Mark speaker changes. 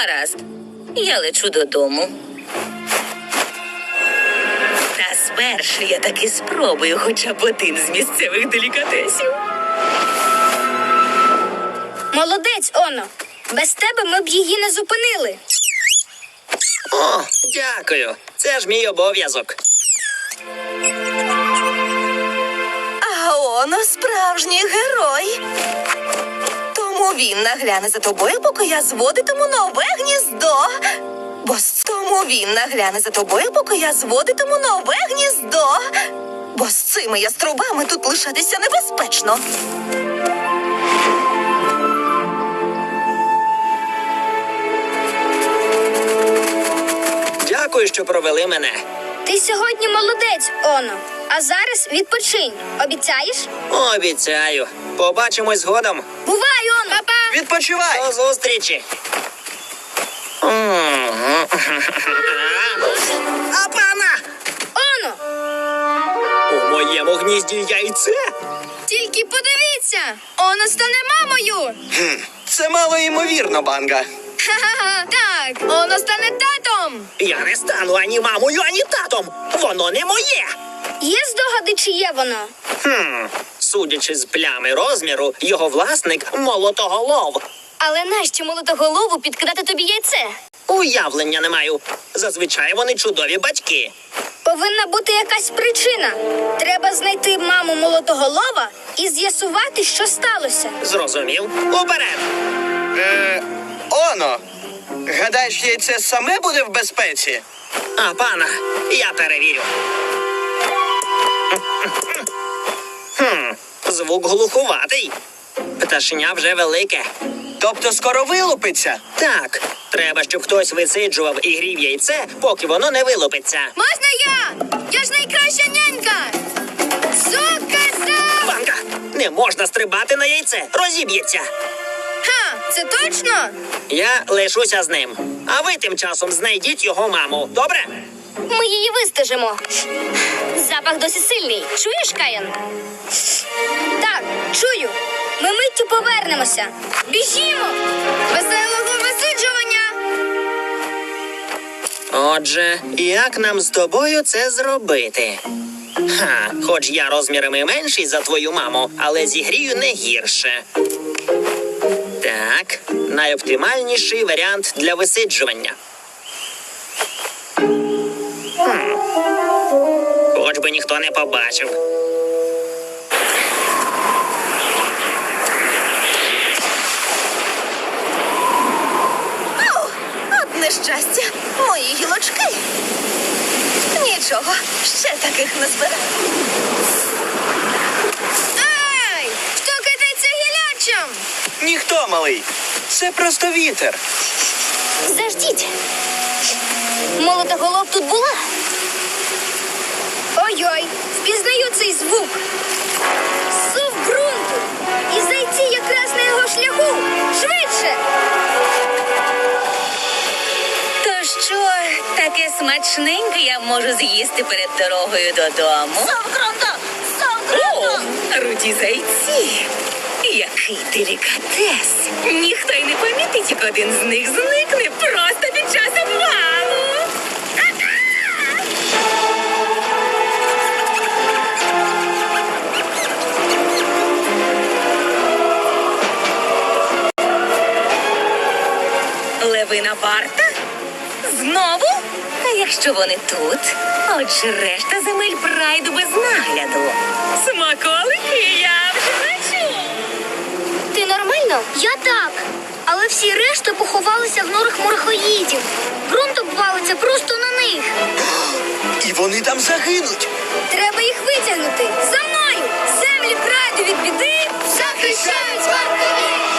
Speaker 1: Гаразд. Я лечу додому. Та спершу я таки спробую хоча б один з місцевих делікатесів.
Speaker 2: Молодець, Оно. Без тебе ми б її не зупинили.
Speaker 3: О, дякую. Це ж мій обов'язок.
Speaker 4: А Оно справжній герой. Тому він нагляне за тобою, поки я зводитиму нове гніздо. Тому він нагляне за тобою, поки я зводитиму нове гніздо. Бо з цими яструбами тут лишатися небезпечно.
Speaker 3: Дякую, що провели мене.
Speaker 2: Ти сьогодні молодець, Оно. А зараз відпочинь. Обіцяєш?
Speaker 3: Обіцяю. Побачимось згодом.
Speaker 2: Бувай, Оно! Папа!
Speaker 5: Відпочивай!
Speaker 3: До зустрічі. Апана!
Speaker 2: Оно!
Speaker 3: У моєму гнізді яйце?
Speaker 2: Тільки подивіться! Оно стане мамою!
Speaker 5: Це мало ймовірно, Банга.
Speaker 2: Ха-ха-ха! Так, Оно стане татом!
Speaker 3: Я не стану ані мамою, ані татом. Воно не моє.
Speaker 2: Є здогади, чи є воно?
Speaker 3: Судячи з плями розміру, його власник молотоголов.
Speaker 2: Але нащо молотоголову підкидати тобі яйце?
Speaker 3: Уявлення не маю. Зазвичай вони чудові батьки.
Speaker 2: Повинна бути якась причина. Треба знайти маму молотоголова і з'ясувати, що сталося.
Speaker 3: Зрозумів? Уперед!
Speaker 5: Оно! Гадаєш, яйце саме буде в безпеці?
Speaker 3: А, пана, я перевірю. Звук глухуватий. Пташеня вже велике.
Speaker 5: Тобто скоро вилупиться?
Speaker 3: Так, треба, щоб хтось висиджував і грів яйце, поки воно не вилупиться.
Speaker 2: Можна я? Я ж найкраща нянька! Сука-за!
Speaker 3: Банка, не можна стрибати на яйце, розіб'ється.
Speaker 2: Ха, це точно?
Speaker 3: Я лишуся з ним. А ви тим часом знайдіть його маму, добре?
Speaker 2: Ми її вистежимо. Запах досі сильний. Чуєш, Каїн? Так, чую. Ми миттю повернемося. Біжімо! Веселого висиджування!
Speaker 3: Отже, як нам з тобою це зробити? Хоч я розмірами менший за твою маму, але зігрію не гірше. Так, найоптимальніший варіант для висиджування. Хоч би ніхто не побачив.
Speaker 4: От нещастя, мої гілочки. Нічого, ще таких не збираю.
Speaker 2: Ай! Хто кидається гілячам?
Speaker 5: Ніхто, малий. Це просто вітер.
Speaker 2: Заждіть. Молотоголов тут була? Ой-ой, впізнаю цей звук. Сув ґрунту. І зайці якраз на його шляху. Швидше!
Speaker 1: То що, таке смачненьке я можу з'їсти перед дорогою додому?
Speaker 4: Совгронда!
Speaker 1: О, руді зайці! Який делікатес! Ніхто й не помітить, як один з них зникне просто під час обвалу! Левина варта? Знову? А якщо вони тут, отже решта земель прайду без нагляду. Смаколики я вже бачу.
Speaker 2: Ти нормально? Я так. Але всі решта поховалися в норах морхоїдів. Ґрунт обвалиться просто на них.
Speaker 5: І вони там загинуть.
Speaker 2: Треба їх витягнути. За мною! Землі прайду від біди захищають вартові!